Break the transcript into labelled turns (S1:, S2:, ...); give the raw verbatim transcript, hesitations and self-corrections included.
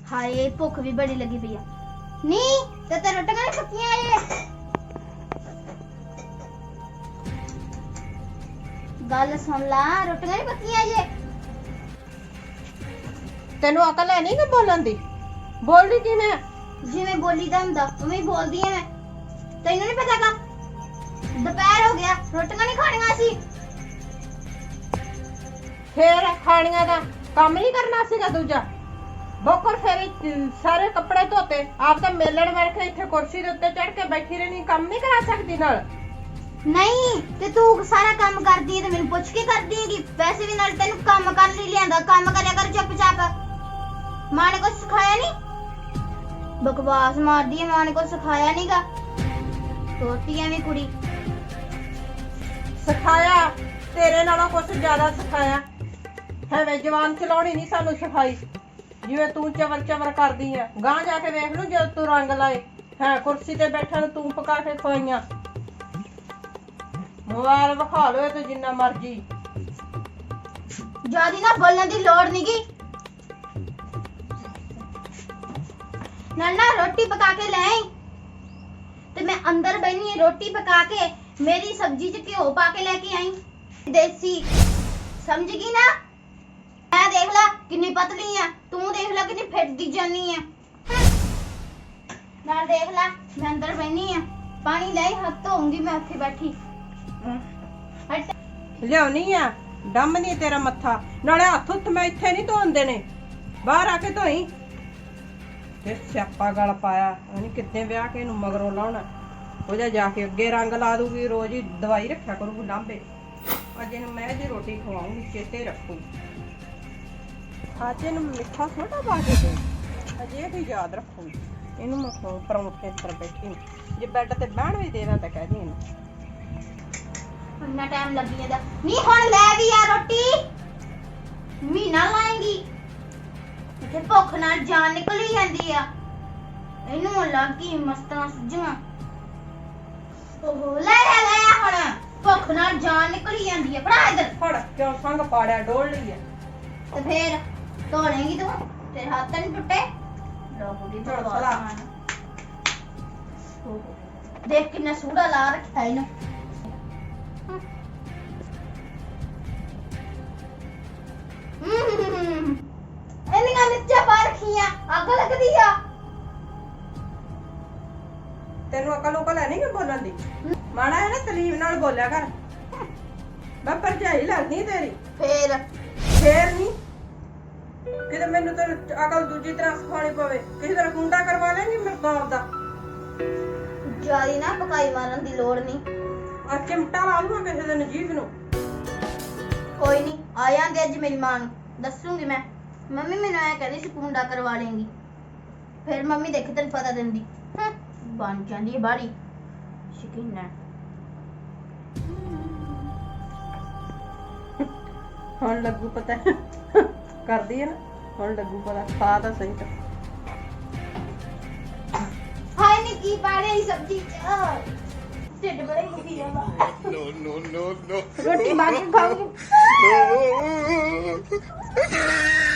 S1: हाय भुख भी बड़ी लगी पई नहीं ते ते रोटियां नहीं पक्कियां जे गल सुन ला रोटियां नहीं पक्कियां जे
S2: तेनू अकल है नहीं कि बोलन दी बोलदी किवें
S1: जिवें बोलीदा हुंदा उवें बोलदी ऐ मैं तैनू नहीं पता का दोपहर हो गया रोटियां नहीं खाणियां सी
S2: फिर खाणियां दा काम नहीं करना सीगा दूजा बोकर फिर सारे कपड़े धोते आप तो मेलण मार के इत्थे कुर्सी दे उत्ते चढ़ के बैठी रहनी काम नहीं करा सकदी नाल
S1: नहीं ते तू सारा काम करदी है ते मैनू पुछ के करदी हैगी वैसे भी नाल तैनू काम कर ली लियांदा काम करया कर चुपचाप मां ने कुछ सिखाया नहीं बकवास मारदी है मां ने कुछ सिखाया नहींगा छोटी है भी कुड़ी
S2: सिखाया तेरे नालों कुछ ज्यादा सिखाया है जवान चलाउणी नहीं सानू सिखाई जिवें तू चवर चवर करदी है गां जाके वेख लू जद तू रंग लाए है कुर्सी ते बैठा तू पका के खवाइयां मोबाइल विखा लो ते जिन्ना मर्जी
S1: ज्यादा ना बोलने की लोड़ नहींगी ना रोटी पका के ले आई ते मैं अंदर बैठी रोटी पका के मेरी सब्जी च घ्यो पा के लेके आई देसी समझ गई ना मैं देख ला कितनी पतली है तू देख ला कितनी फिटदी जानी है ना देख ला मैं अंदर बैठी है पानी लाई हाथ धोऊंगी मैं ਉੱਥੇ बैठी हट
S2: लियाउनी आ डम नहीं तेरा मत्था नाले हत्थ हुत्थ मैं इत्थे नहीं धोन देने बाहर आके धोई ते स्यापा गल पाया नहीं कितने ब्याह के इनू मगरों लाउणा हो जा जाके अगे रंग ला दूगी रोज ही दवाई रखा करूगी लांबे अज इनू मैं जी रोटी खवाऊंगी चेते रखूगी आज इनू मिठा सोडा पा के दे अजे भी याद रखूगी इनू मैं खाऊं परौंठे पर बैठी जे बेड ते बहन भी देना ते कह दी इनू
S1: इतना टाइम लग गया नहीं हुन ले भी आ रोटी महीना लाएंगी ते भुख नाल जान निकल ही जांदी आ इनू लागी मस्तां सुझां ओहो ले ले ले हुन भुख नाल जान निकल ही जांदी आ फड़ा इधर
S2: फड़ क्यों संग पाड़िया डोल ली है
S1: ते फिर धो लेंगी तू तेरे हाथ नहीं टुटे लोगों
S2: चला
S1: देख कितना सूड़ा ला रखा है इन्हें इन्हें मिर्चा पा रखियां आग लग दी आ
S2: तेनू अकल उकल है नहीं कि बोलन दी माड़ा है ना तलीब नाल बोलिया कर मैं भरजाई लगदी तेरी
S1: फिर
S2: फेर नहीं किते मैनू ते अकल दूजी तरह सिखानी पवे किसी तरह कुंडा करवा लेंगी मेरे तो आपदा
S1: जारी ना पकाई मारन दी लोड़ नहीं
S2: आ चिमटा ला लूंगा किसी दिन जीभ नू
S1: कोई नहीं आ जांदे अज मेरी मां नू दसूंगी मैं मम्मी मैनू ऐ कहदी सी कुंडा करवा लेंगी फिर मम्मी देखी तेन पता देंदी बन जांदी है बाड़ी शकीन है
S2: हुण लगू पता करदी है ना हुण लगू पता खा तां सही तो
S1: हाय ने की पाड़े ई सब्जी च ढिड बड़े दुखी जाला
S3: No, no, no, no.
S1: रोटी मांग के खाऊंगी
S3: No.